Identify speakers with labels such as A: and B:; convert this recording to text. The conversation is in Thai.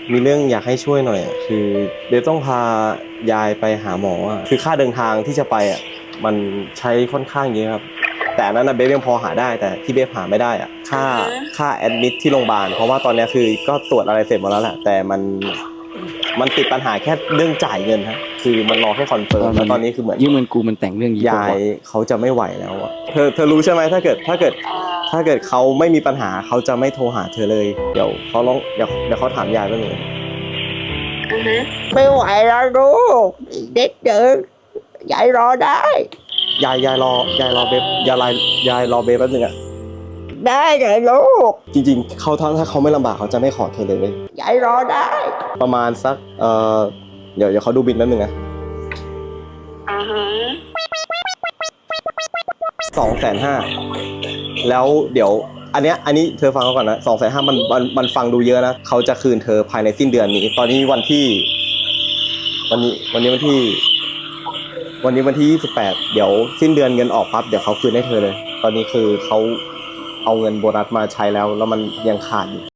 A: มีเรื่องอยากให้ช่วยหน่อยอะคือเบฟต้องพายายไปหาหมออะคือค่าเดินทางที่จะไปอ่ะมันใช้ค่อนข้างเยอะครับแต่อันนั้นนะเบฟยังพอหาได้แต่ที่เบฟหาไม่ได้อ่ะค่าแอดมิดที่โรงพยาบาลเพราะว่าตอนนี้คือก็ตรวจอะไรเสร็จหมดแล้วแหละแต่มันติดปัญหาแค่เรื่องจ่ายเงินฮะคือมันรอแค่คอนเฟิร์มแล้วตอนนี้คือเหมือน
B: ยืมเงินกูมันแต่งเรื่อง
A: ยายเขาจะไม่ไหวแล้วอ่ะเธอรู้ใช่ไหมถ้าเกิดเขาไม่มีปัญหาเขาจะไม่โทรหาเธอเลยเดี๋ยวเขาถามยายแป๊บนึง
C: ไม่ไหวแล้วลูกอีกนิดเดียวยายรอได้
A: ยายรอเบฟยายรอเบฟแป๊บนึงอ่ะ
C: ได้เลยลูก
A: จริงๆถ้าเขาไม่ลำบากเขาจะไม่ขอเธอเลยเว้ย
C: ยายรอได้
A: ประมาณสักเดี๋ยวเขาดูบินแป๊บนึงนะ250,000แล้วเดี๋ยวอันนี้เธอฟังเขาก่อนนะ250,000มันฟังดูเยอะนะเขาจะคืนเธอภายในสิ้นเดือนนี้ตอนนี้วันที่28เดี๋ยวสิ้นเดือนเงินออกปั๊บเดี๋ยวเขาคืนให้เธอเลยตอนนี้คือเขาเอาเงินโบนัสมาใช้แล้วมันยังขาดอยู่